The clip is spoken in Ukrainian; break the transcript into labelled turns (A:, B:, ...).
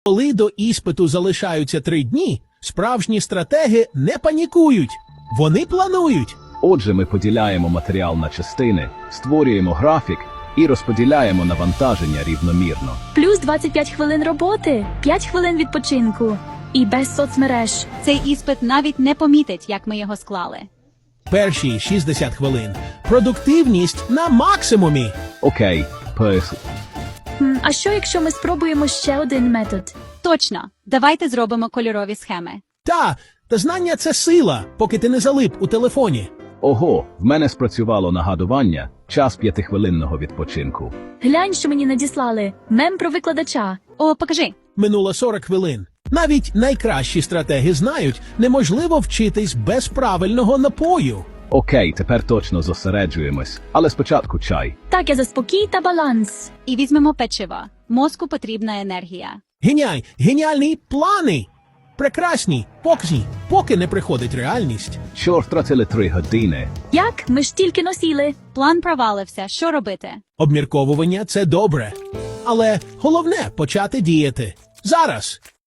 A: Коли до іспиту залишаються 3 дні, справжні стратеги не панікують. Вони планують.
B: Отже, ми поділяємо матеріал на частини, створюємо графік і розподіляємо навантаження рівномірно.
C: Плюс 25 хвилин роботи, 5 хвилин відпочинку. І без соцмереж.
D: Цей іспит навіть не помітить, як ми його склали.
A: Перші 60 хвилин. Продуктивність на максимумі.
B: Окей,
C: А що, якщо ми спробуємо ще один метод?
D: Точно. Давайте зробимо кольорові схеми.
A: Та знання – це сила, поки ти не залип у телефоні.
B: Ого, в мене спрацювало нагадування, час 5-хвилинного відпочинку.
C: Глянь, що мені надіслали. Мем про викладача.
D: О, покажи.
A: Минуло 40 хвилин. Навіть найкращі стратеги знають, неможливо вчитись без правильного напою.
B: Окей, тепер точно зосереджуємось, але спочатку чай.
C: Так, я за спокій та баланс.
D: І візьмемо печиво. Мозку потрібна енергія.
A: Геніальні плани. Прекрасні, поки не приходить реальність.
B: Чорт, втратили 3 години.
C: Як? Ми ж тільки носіли.
D: План провалився. Що робити?
A: Обмірковування – це добре. Але головне – почати діяти. Зараз.